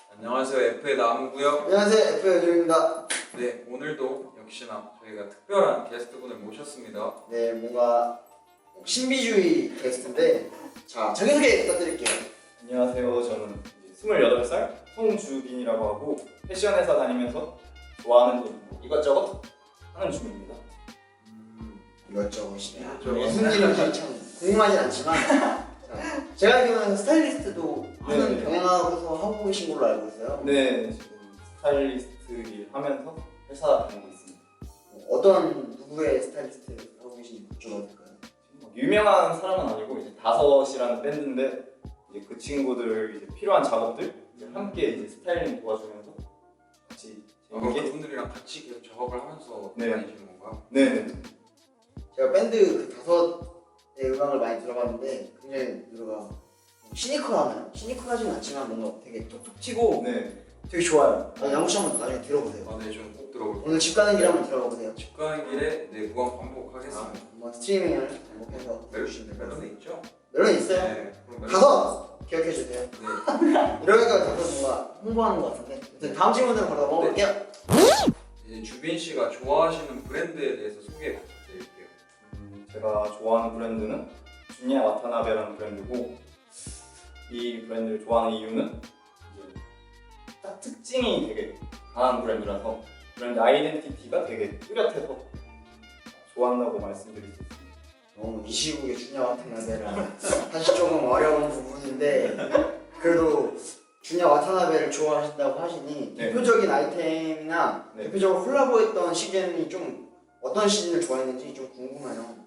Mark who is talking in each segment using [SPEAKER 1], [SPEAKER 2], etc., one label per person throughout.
[SPEAKER 1] 안녕하세요, F의 나무고요.
[SPEAKER 2] 안녕하세요, F의 여준입니다.
[SPEAKER 1] 네, 오늘도 역시나 저희가 특별한 게스트분을 모셨습니다.
[SPEAKER 2] 네, 뭔가 신비주의 게스트인데, 자, 자기소개 부탁드릴게요.
[SPEAKER 3] 안녕하세요. 저는 이제 28살 송주빈이라고 하고 패션 회사 다니면서 좋아하는 일 이것저것 하는 중입니다.
[SPEAKER 2] 이것저것이네요.
[SPEAKER 1] 이것저것.
[SPEAKER 2] 무슨 일인지 참 궁금하진 않지만, 자, 제가 알기로는 스타일리스트도 하는
[SPEAKER 3] 네.
[SPEAKER 2] 병행하고서 하고 계신 걸로 알고 있어요.
[SPEAKER 3] 네, 지금 스타일리스트 일 하면서 회사 다니고 있습니다.
[SPEAKER 2] 어떤 누구의 스타일리스트 하고 계신지 여쭤봐도 될까요?
[SPEAKER 3] 뭐 유명한 사람은 아니고 이제 다섯이라는 밴드인데 이제 그 친구들 이제 필요한 작업들 이제 함께 이제 스타일링 도와주면서 같이
[SPEAKER 1] 그럼
[SPEAKER 3] 재밌게
[SPEAKER 1] 그분들이랑 같이 계속 작업을 하면서
[SPEAKER 3] 네.
[SPEAKER 1] 다니시는 건가요?
[SPEAKER 3] 네.
[SPEAKER 2] 제가 밴드 그 다섯의 음악을 많이 들어봤는데, 굉장히 노래가 시니컬하나요? 시니컬하진 않지만 뭔가 되게 톡톡 튀고
[SPEAKER 3] 네.
[SPEAKER 2] 되게 좋아요. 양호씨 한번 나중에 들어보세요.
[SPEAKER 1] 아, 네, 좀 꼭 들어볼게요.
[SPEAKER 2] 오늘 집 가는 길에 한번 들어가보세요.
[SPEAKER 1] 집 가는 길에 네, 무한 반복하겠습니다.
[SPEAKER 2] 한번 스트리밍을 반복해서
[SPEAKER 1] 멜로디
[SPEAKER 2] 들으시면 될 것
[SPEAKER 1] 멜로디
[SPEAKER 2] 같아요.
[SPEAKER 1] 있죠?
[SPEAKER 2] 멜론 있어요?
[SPEAKER 1] 네, 그럼 멜로디.
[SPEAKER 2] 다섯! 기억해주세요.
[SPEAKER 1] 네,
[SPEAKER 2] 이러니까 다섯 뭔가 홍보하는 것 같은데. 아무튼 다음 질문으로 바로 넘어갈게요.
[SPEAKER 1] 이제 주빈 씨가 좋아하시는 브랜드에 대해서 소개 부탁드릴게요.
[SPEAKER 3] 제가 좋아하는 브랜드는 준야 와타나베라는 브랜드고 이 브랜드를 좋아하는 이유는 이제 딱 특징이 되게 강한 브랜드라서 브랜드 아이덴티티가 되게 뚜렷해서 좋아한다고 말씀드릴 수 있습니다.
[SPEAKER 2] 이 시국에 주냐 와타나베라 사실 조금 어려운 부분인데 그래도 주냐 와타나베를 좋아하신다고 하시니
[SPEAKER 3] 네.
[SPEAKER 2] 대표적인 아이템이나
[SPEAKER 3] 네.
[SPEAKER 2] 대표적으로 콜라보했던 시즌이 좀 어떤 시즌을 좋아했는지 좀 궁금해요.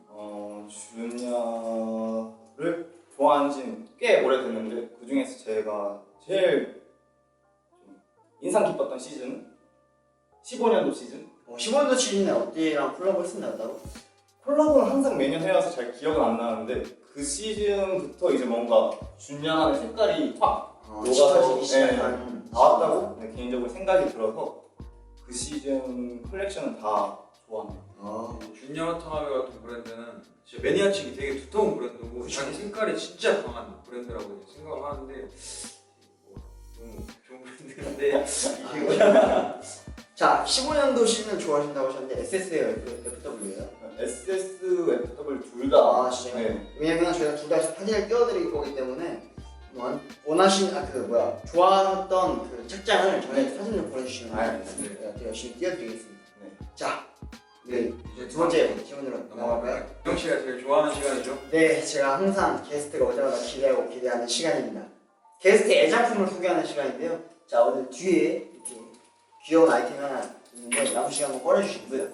[SPEAKER 3] 준야를 좋아한 지는 꽤 오래됐는데 그 중에서 제가 제일 좀 인상 깊었던 시즌은 15년도 시즌.
[SPEAKER 2] 15년도 시즌에 어디랑 콜라보 했었나요 따로?
[SPEAKER 3] 콜라보를 항상 매년 해와서 잘 기억은 안 나는데 그 시즌부터 이제 뭔가 준야의 색깔이 확 녹아서
[SPEAKER 2] 짙어지기 시작한
[SPEAKER 3] 나왔다고 네, 개인적으로 생각이 들어서 그 시즌 컬렉션은 다 좋아합니다.
[SPEAKER 1] 준야 와타나베 같은 브랜드는 진짜 매니아층이 되게 두터운 브랜드고 자기 색깔이 진짜 강한 브랜드라고 생각을 하는데 뭐, 너무 좋은 브랜드인데 이게
[SPEAKER 2] 자, 15년도 시즌을 좋아하신다고 하셨는데 SS예요, FW예요?
[SPEAKER 3] SSFW 둘 다.
[SPEAKER 2] 아, 진짜요?
[SPEAKER 3] 네.
[SPEAKER 2] 왜냐면 저희가 둘 다 사진을 띄워드릴 거기 때문에 원하신 좋아했던 그 책장을 저희한테 사진을 보내주시면
[SPEAKER 3] 알겠습니다.
[SPEAKER 2] 저희가 또 열심히 띄워드리겠습니다.
[SPEAKER 3] 네.
[SPEAKER 2] 자,
[SPEAKER 1] 네,
[SPEAKER 2] 네,
[SPEAKER 1] 이제
[SPEAKER 2] 두 번째 질문으로 넘어갈까요?
[SPEAKER 1] 영 씨가 제일 좋아하는 시간이죠?
[SPEAKER 2] 네, 제가 항상 게스트가 오자마자 기대하는 시간입니다. 게스트의 애작품을 소개하는 시간인데요. 자, 오늘 뒤에 이렇게 귀여운 아이템 하나 있는데 남은 시간 한번 꺼내주시고요.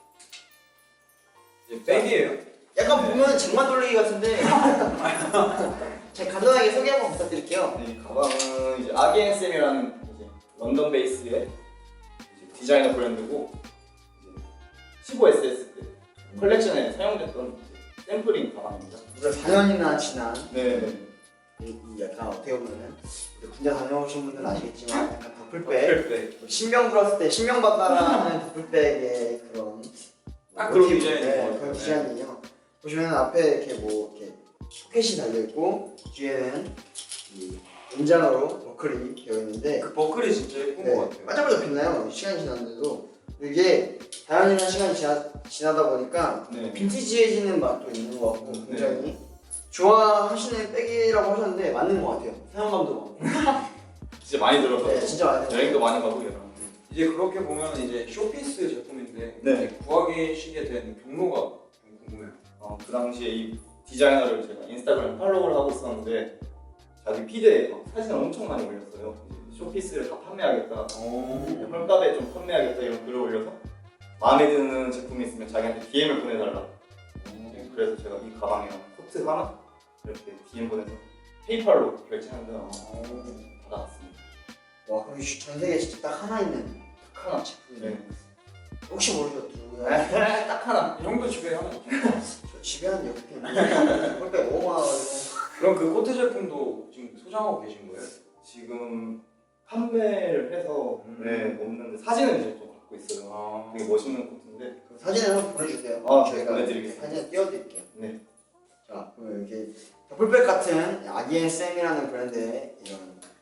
[SPEAKER 1] 이제 백이에요.
[SPEAKER 2] 약간 보면 쟁반 돌리기 같은데 제가 간단하게 소개 한번 부탁드릴게요.
[SPEAKER 3] 이 가방은 이제 아기앤쌤이라는 이제 런던 베이스의 이제 디자이너 브랜드고 이제 15SS 때 컬렉션에 사용됐던 이제 샘플링 가방입니다.
[SPEAKER 2] 무려 4년이나 지난
[SPEAKER 3] 네.
[SPEAKER 2] 이 약간 어떻게 보면은 우리 군대 다녀오신 분들은 아시겠지만 약간 더플백
[SPEAKER 1] 백백.
[SPEAKER 2] 신병 들었을 때 신병 받다라는 더플백의 그런
[SPEAKER 1] 딱 그런
[SPEAKER 2] 모티브,
[SPEAKER 1] 디자인인 것 같아요.
[SPEAKER 2] 그런 디자인이에요. 보시면 앞에 이렇게 뭐 이렇게 포켓이 달려 있고 뒤에는 이 은장으로 버클이 되어 있는데
[SPEAKER 1] 그 버클이 진짜 예쁜 것 같아요.
[SPEAKER 2] 반짝반짝 빛나요. 시간이 지났는데도 이게 다양한 시간이 지나다 보니까
[SPEAKER 3] 네.
[SPEAKER 2] 빈티지해지는 맛도 있는 것 같고
[SPEAKER 3] 네.
[SPEAKER 2] 굉장히 좋아하시는 백이라고 하셨는데 맞는 것 같아요. 사용감도 많고
[SPEAKER 3] 진짜 많이 들어서
[SPEAKER 2] 네, 진짜 많이 들어서.
[SPEAKER 3] 여행도 많이 가고 이런.
[SPEAKER 1] 이제 그렇게 보면 이제 쇼피스 제품인데
[SPEAKER 3] 네.
[SPEAKER 1] 이제 구하시게 된 경로가 좀 궁금해요.
[SPEAKER 3] 그 당시에 이 디자이너를 제가 인스타그램 팔로우를 하고 있었는데 자기 피드에 막 사진을 엄청 많이 올렸어요. 이제 쇼피스를 다 판매하겠다, 헐값에 좀 판매하겠다 이런 글을 올려서 마음에 드는 제품이 있으면 자기한테 DM을 보내달라. 네, 그래서 제가 이 가방이랑 코트 하나 이렇게 DM 보내서 페이팔로 결제한 다음 받아왔습니다.
[SPEAKER 2] 와 그럼 전 세계에 진짜 딱 하나 있는
[SPEAKER 3] 딱 하나.
[SPEAKER 2] 제품이네.
[SPEAKER 3] 네.
[SPEAKER 2] 혹시 모르죠 누구야?
[SPEAKER 3] 딱 하나.
[SPEAKER 1] 이 정도 집에 하나 있죠.
[SPEAKER 2] 저 집에 한 6개 있는데 헐백 너무 많아가지고
[SPEAKER 1] 그럼 그 코트 제품도 지금 소장하고 계신 거예요?
[SPEAKER 3] 지금 판매를 해서 네, 없는데 사진은 이제 좀 갖고 있어요. 되게 멋있는 코트인데.
[SPEAKER 2] 그 사진을 한번 보내주세요.
[SPEAKER 3] 아,
[SPEAKER 2] 저희가
[SPEAKER 3] 보내드리겠습니다.
[SPEAKER 2] 사진을 띄워드릴게요.
[SPEAKER 3] 네.
[SPEAKER 2] 자 그럼 이렇게 더플백 같은 아기앤쌤이라는 브랜드의 이런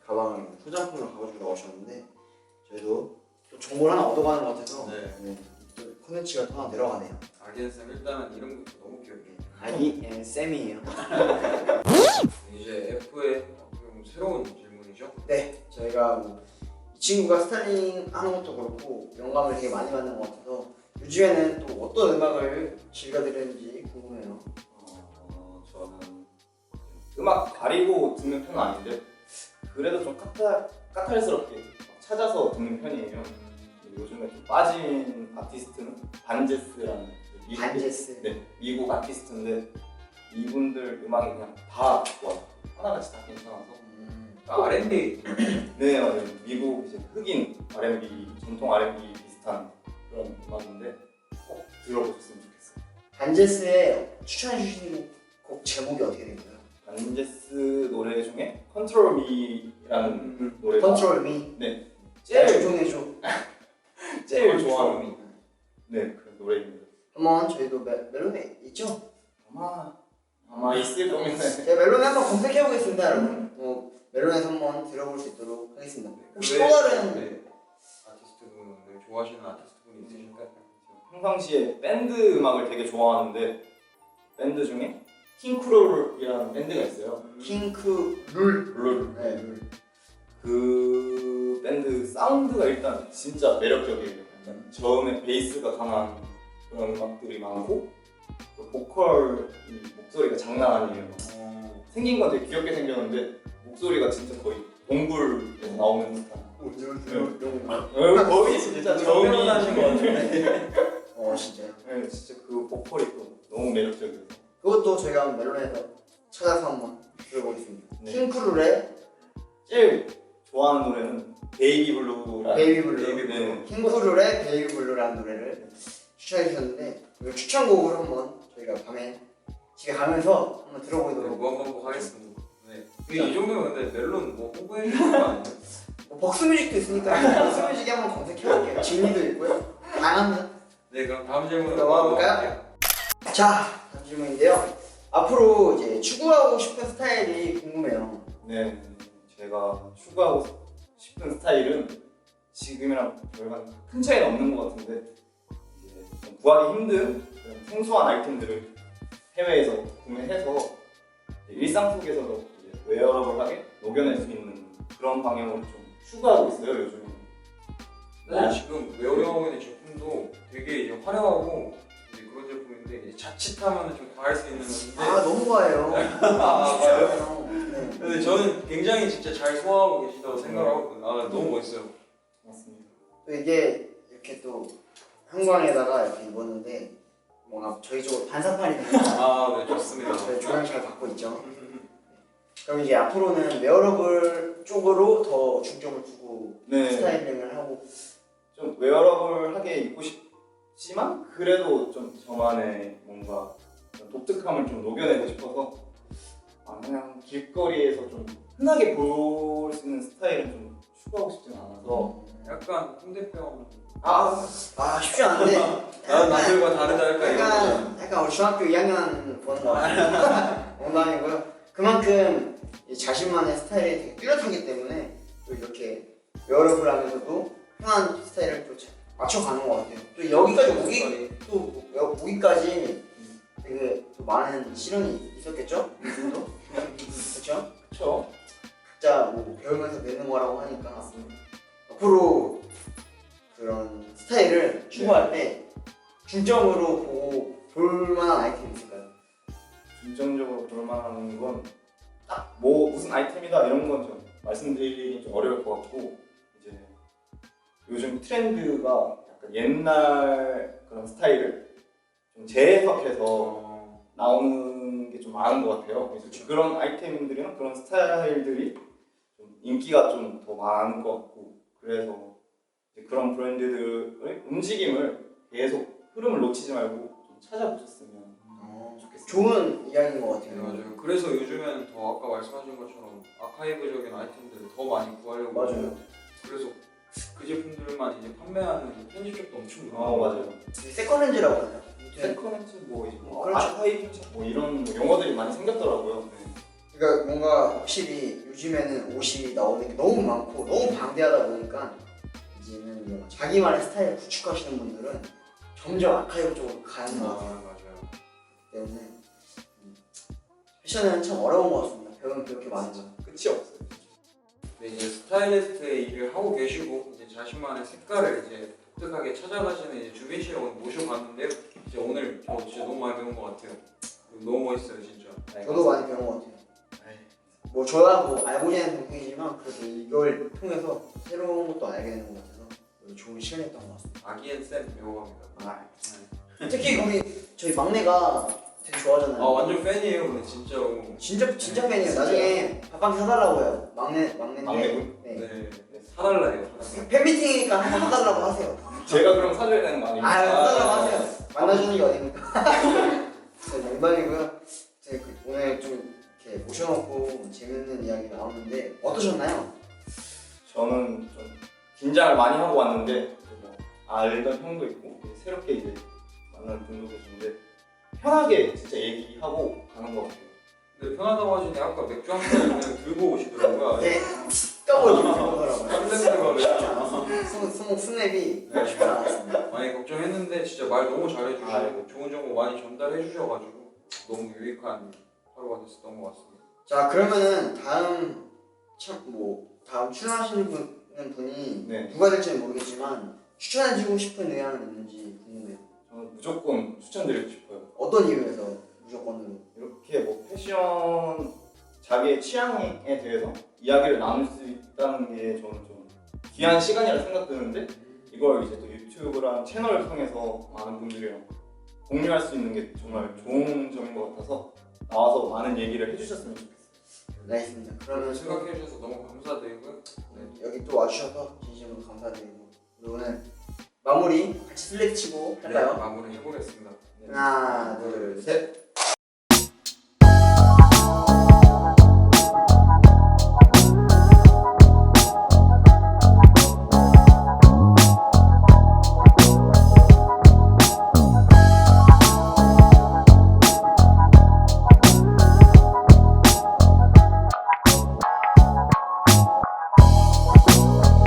[SPEAKER 2] 가방을 소장품으로 가져주고 나오셨는데 저희도 또 정보를 하나 얻어가는 것 같아서
[SPEAKER 1] 네.
[SPEAKER 2] 또 콘텐츠가 또 하나 내려가네요.
[SPEAKER 1] 아기앤쌤 일단은 이름부터 너무 귀엽게.
[SPEAKER 2] 아기 앤 쌤이에요.
[SPEAKER 1] 이제 F의 어떻게 보면 새로운 질문이죠.
[SPEAKER 2] 네, 저희가 이 친구가 스타일링 하는 것도 그렇고 영감을 되게 많이 받는 것 같아서 요즘에는 또 어떤 음악을 즐겨드리는지 궁금해요.
[SPEAKER 3] 저는 음악 가리고 듣는 편은 아닌데 그래도 좀 까탈스럽게 찾아서 듣는 편이에요. 요즘에 좀 빠진 아티스트는 반제스라는
[SPEAKER 2] 반제스.
[SPEAKER 3] 네, 미국 아티스트인데 이분들 음악이 그냥 다 좋아요. 하나같이 다 괜찮아서.
[SPEAKER 1] R&B.
[SPEAKER 3] 네, 맞아요. 미국 이제 흑인 R&B, 전통 R&B 비슷한 그런 음악인데 꼭 들어보셨으면 좋겠어요.
[SPEAKER 2] 반제스의 추천해 주시는 곡 제목이 어떻게 되나요?
[SPEAKER 3] 반제스 노래 중에 Control Me라는 노래가
[SPEAKER 2] Control Me.
[SPEAKER 3] 네,
[SPEAKER 2] 제일 조종해줘.
[SPEAKER 3] 제일 좋아하는 네, 그런 노래입니다.
[SPEAKER 2] 한번 저희도 멜론에 있죠?
[SPEAKER 3] 아마 있을 겁니다.
[SPEAKER 2] 제가 멜론에 한번 검색해 보겠습니다, 여러분. 멜론에서 한번 들어볼 수 있도록 하겠습니다. 혹시 또
[SPEAKER 1] 네.
[SPEAKER 2] 다른
[SPEAKER 1] 아티스트분 좋아하시는 아티스트분이 있으실까요?
[SPEAKER 3] 평상시에 밴드 음악을 되게 좋아하는데 밴드 중에 킹크롤이라는 밴드가 있어요.
[SPEAKER 2] 킹크 룰.
[SPEAKER 3] 네.
[SPEAKER 2] 네, 룰.
[SPEAKER 3] 그 밴드 사운드가 일단 진짜 매력적이에요. 약간 저음에 베이스가 강한 그런 음악들이 많고 또 보컬 목소리가 장난 아니에요. 생긴 건 되게 귀엽게 생겼는데 목소리가 진짜 거의 동굴에서 나오는 듯한. 거의 진짜 저음이
[SPEAKER 1] 하신 것 같은데.
[SPEAKER 2] 진짜요?
[SPEAKER 3] 네, 진짜 그 보컬이 또 너무 매력적이어서.
[SPEAKER 2] 그것도 저희가 한번 멜론에서 찾아서 한번 들어보겠습니다.
[SPEAKER 3] 네.
[SPEAKER 2] 킹크룰의
[SPEAKER 3] 제일 좋아하는 노래는 베이비 블루라는
[SPEAKER 2] 베이비 블루.
[SPEAKER 3] 네.
[SPEAKER 2] 킹크룰의 베이비 블루라는 노래를 추천해 주셨는데 이 추천곡을 한번 저희가 밤에 집에 가면서 한번 들어보도록.
[SPEAKER 1] 한번 하겠습니다. 네. 이 정도면 근데 멜론 뭐 홍보해 주는 거 아니에요?
[SPEAKER 2] 벅스뮤직도 있으니까 벅스뮤직에 한번 검색해 볼게요. 진리도 있고요. 다양합니다.
[SPEAKER 1] 네, 그럼 다음 질문으로
[SPEAKER 2] 넘어가 볼까요? 자, 다음 질문인데요. 앞으로 이제 추구하고 싶은 스타일이 궁금해요.
[SPEAKER 3] 네, 제가 추구하고 싶은 스타일은 지금이랑 별반 큰 차이는 없는 것 같은데 이제 좀 구하기 힘든 그런 생소한 아이템들을 해외에서 구매해서 일상 속에서도 이제 웨어러블하게 녹여낼 수 있는 그런 방향으로 좀 추구하고 있어요, 요즘에.
[SPEAKER 1] 네, 지금 웨어링하고 있는 제품도 되게 이제 화려하고 이제 그런 제품인데 이제 자칫하면 좀 과할 수 있는 건데.
[SPEAKER 2] 너무 좋아해요.
[SPEAKER 1] 맞아요?
[SPEAKER 2] 네.
[SPEAKER 1] 근데 저는 굉장히 진짜 잘 소화하고 계시다고 생각하거든요. 너무 멋있어요.
[SPEAKER 3] 맞습니다.
[SPEAKER 2] 또 이게 이렇게 또 형광에다가 이렇게 입었는데 뭔가 저희 쪽으로 반사판이 되는
[SPEAKER 1] 네, 좋습니다.
[SPEAKER 2] 저희 조명 잘 받고 있죠. 그럼 이제 앞으로는 웨어러블 쪽으로 더 중점을 두고
[SPEAKER 3] 네,
[SPEAKER 2] 스타일링을 하고.
[SPEAKER 3] 좀 웨어러블하게 입고 싶지만 그래도 좀 저만의 뭔가 독특함을 좀 녹여내고 싶어서 그냥 길거리에서 좀 흔하게 볼 수 있는 스타일은 좀 추구하고 싶지는 않아서
[SPEAKER 1] 약간 홍대병.
[SPEAKER 2] 쉽지 않은데.
[SPEAKER 1] 남들과 다르다 할까
[SPEAKER 2] 약간 우리 중학교 2학년 보는 거 농담이고요. 그만큼 이 자신만의 스타일이 되게 뚜렷하기 때문에 또 이렇게 웨어러블 하면서도 편한 스타일을 또 맞춰가는 것 같아요. 또 여기까지 오기까지 되게 또 많은 시련이 있었겠죠? 이분도? 그렇죠?
[SPEAKER 3] 그쵸?
[SPEAKER 2] 각자 뭐 배우면서 내는 거라고 하니까 앞으로 그런 스타일을 추구할 때 중점으로 보고 볼만한 아이템이 있을까요?
[SPEAKER 3] 중점적으로 볼만한 건 딱 뭐 무슨 아이템이다 이런 건 좀 말씀드리기 좀 어려울 것 같고 이제 요즘 트렌드가 약간 옛날 그런 스타일을 좀 재해석해서 나오는 게 좀 많은 것 같아요. 그래서 그런 아이템들이나 그런 스타일들이 좀 인기가 좀 더 많은 것 같고 그래서 이제 그런 브랜드들의 움직임을 계속 흐름을 놓치지 말고 좀 찾아보셨으면 좋겠어요.
[SPEAKER 2] 좋은 이야기인 것
[SPEAKER 1] 네,
[SPEAKER 2] 같아요.
[SPEAKER 1] 맞아요. 그래서 요즘에는 더 아까 말씀하신 것처럼 아카이브적인 아이템들을 더 많이 구하려고
[SPEAKER 2] 맞아요.
[SPEAKER 1] 그래서 그 제품들만 이제 판매하는 편집점도 엄청
[SPEAKER 3] 아 맞아요.
[SPEAKER 2] 세컨렌즈라고 하나요?
[SPEAKER 3] 세컨핸즈 뭐
[SPEAKER 2] 그렇죠.
[SPEAKER 3] 아카이브 뭐 이런 뭐 용어들이 많이 생겼더라고요. 네.
[SPEAKER 2] 그러니까 뭔가 확실히 요즘에는 옷이 나오는 게 너무 많고 너무 방대하다 보니까 이제는 뭔가 자기만의 스타일을 구축하시는 분들은 점점 아카이브 쪽으로 가는 것 같아요.
[SPEAKER 1] 맞아요.
[SPEAKER 2] 때문에 패션은 참 어려운 것 같습니다. 배우는 그렇게 많은 거.
[SPEAKER 3] 끝이 없어요.
[SPEAKER 1] 네, 이제 스타일리스트의 일을 하고 계시고 이제 자신만의 색깔을 이제 독특하게 찾아가시는 이제 주빈 씨를 오늘 모셔봤는데요. 이제 오늘 저 진짜 너무 많이 배운 것 같아요. 너무 멋있어요, 진짜.
[SPEAKER 2] 저도 많이 배운 것 같아요. 뭐 저야 뭐 알고 지낸 동생이지만 그래도 이걸 통해서 새로운 것도 알게 되는 것 같아서 좋은 시간이었던 것 같습니다.
[SPEAKER 1] 아기앤쌤 배워갑니다.
[SPEAKER 2] 특히 우리 저희 막내가 되게 좋아하잖아요.
[SPEAKER 1] 아 완전 팬이에요, 근데 진짜로.
[SPEAKER 2] 진짜 팬이에요. 나중에 밥방 사달라고 해요. 막내인데.
[SPEAKER 3] 막내분?
[SPEAKER 2] 네.
[SPEAKER 1] 네, 사달라요.
[SPEAKER 2] 팬미팅이니까 사달라고 하세요.
[SPEAKER 3] 제가 그럼 사줘야 되는 거 아니에요?
[SPEAKER 2] 사달라고 하세요. 만나주는 게 어딥니까? 네, 농담이고요. 오늘 좀 이렇게 모셔놓고 재밌는 이야기 나왔는데 어떠셨나요?
[SPEAKER 3] 저는 좀 긴장을 많이 하고 왔는데 뭐 알던 형도 있고 새롭게 이제 만나는 분도 계신데 편하게 진짜 얘기하고 가는 것 같아요.
[SPEAKER 1] 근데 편하다고 하시니 아까 맥주 한 잔 그냥 들고 오시더라고요.
[SPEAKER 2] 네. 떠보지 말더라고요.
[SPEAKER 1] 설렌드가
[SPEAKER 2] 쉽지 않았어. 스모 스냅이 쉽지 않았습니다.
[SPEAKER 1] 많이 걱정했는데 진짜 말 너무 잘해주시고
[SPEAKER 3] 아이고.
[SPEAKER 1] 좋은 정보 많이 전달해 주셔가지고 너무 유익한 하루가 됐었던 것 같습니다.
[SPEAKER 2] 자 그러면은 다음 출연하시는 분이
[SPEAKER 3] 네.
[SPEAKER 2] 누가 될지는 모르겠지만 추천해주고 싶은 의향은 있는지 궁금해요.
[SPEAKER 3] 저는 무조건 추천드리고 싶어요.
[SPEAKER 2] 어떤 이유에서 무조건으로?
[SPEAKER 3] 이렇게 뭐 패션 자기의 취향에 대해서 이야기를 나눌 수 있다는 게 저는 좀 귀한 시간이라 생각드는데 이걸 이제 또 유튜브랑 채널을 통해서 많은 분들이랑 공유할 수 있는 게 정말 좋은 점인 것 같아서 나와서 많은 얘기를 해주셨으면 좋겠어요.
[SPEAKER 2] 알겠습니다. 그러면
[SPEAKER 1] 생각해 주셔서 너무 감사드리고요. 네.
[SPEAKER 2] 여기 또 와주셔서 진심으로 감사드리고 우리 오늘 마무리 같이 슬랙 치고 할까요?
[SPEAKER 1] 네, 마무리 해보겠습니다.
[SPEAKER 2] 하나 둘 셋.